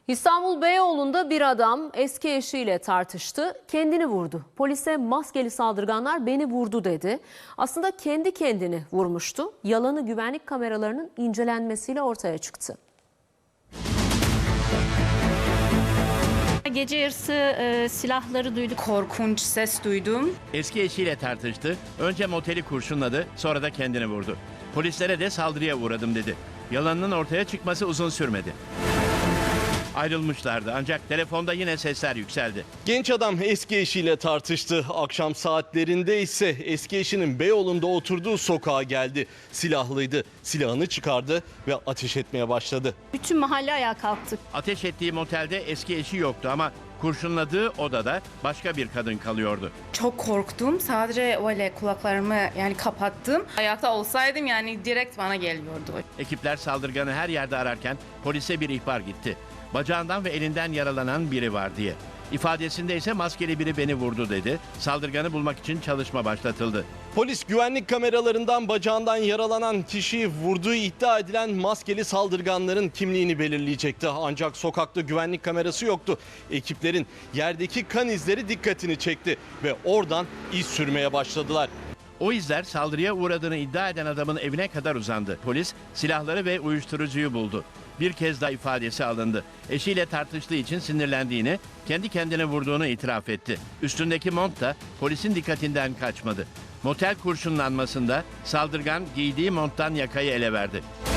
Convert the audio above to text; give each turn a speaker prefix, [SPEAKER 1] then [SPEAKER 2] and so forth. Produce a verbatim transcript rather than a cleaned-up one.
[SPEAKER 1] İstanbul Beyoğlu'nda bir adam eski eşiyle tartıştı, kendini vurdu. Polise maskeli saldırganlar beni vurdu dedi. Aslında kendi kendini vurmuştu. Yalanı güvenlik kameralarının incelenmesiyle ortaya çıktı.
[SPEAKER 2] Gece yarısı e, silahları duyduk.
[SPEAKER 3] Korkunç ses duydum.
[SPEAKER 4] Eski eşiyle tartıştı. Önce moteli kurşunladı, sonra da kendini vurdu. Polislere de saldırıya uğradım dedi. Yalanının ortaya çıkması uzun sürmedi. Ayrılmışlardı ancak telefonda yine sesler yükseldi.
[SPEAKER 5] Genç adam eski eşiyle tartıştı. Akşam saatlerinde ise eski eşinin Beyoğlu'nda oturduğu sokağa geldi. Silahlıydı. Silahını çıkardı ve ateş etmeye başladı.
[SPEAKER 2] Bütün mahalle ayağa kalktı.
[SPEAKER 4] Ateş ettiği motelde eski eşi yoktu ama kurşunladığı odada başka bir kadın kalıyordu.
[SPEAKER 3] Çok korktum. Sadece öyle kulaklarımı yani kapattım. Ayakta olsaydım yani direkt bana geliyordu.
[SPEAKER 4] Ekipler saldırganı her yerde ararken polise bir ihbar gitti. Bacağından ve elinden yaralanan biri var diye. İfadesinde ise maskeli biri beni vurdu dedi. Saldırganı bulmak için çalışma başlatıldı.
[SPEAKER 5] Polis güvenlik kameralarından bacağından yaralanan kişiyi vurduğu iddia edilen maskeli saldırganların kimliğini belirleyecekti. Ancak sokakta güvenlik kamerası yoktu. Ekiplerin yerdeki kan izleri dikkatini çekti ve oradan iz sürmeye başladılar.
[SPEAKER 4] O izler saldırıya uğradığını iddia eden adamın evine kadar uzandı. Polis silahları ve uyuşturucuyu buldu. Bir kez daha ifadesi alındı. Eşiyle tartıştığı için sinirlendiğini, kendi kendine vurduğunu itiraf etti. Üstündeki mont da polisin dikkatinden kaçmadı. Motel kurşunlanmasında saldırgan giydiği monttan yakayı ele verdi.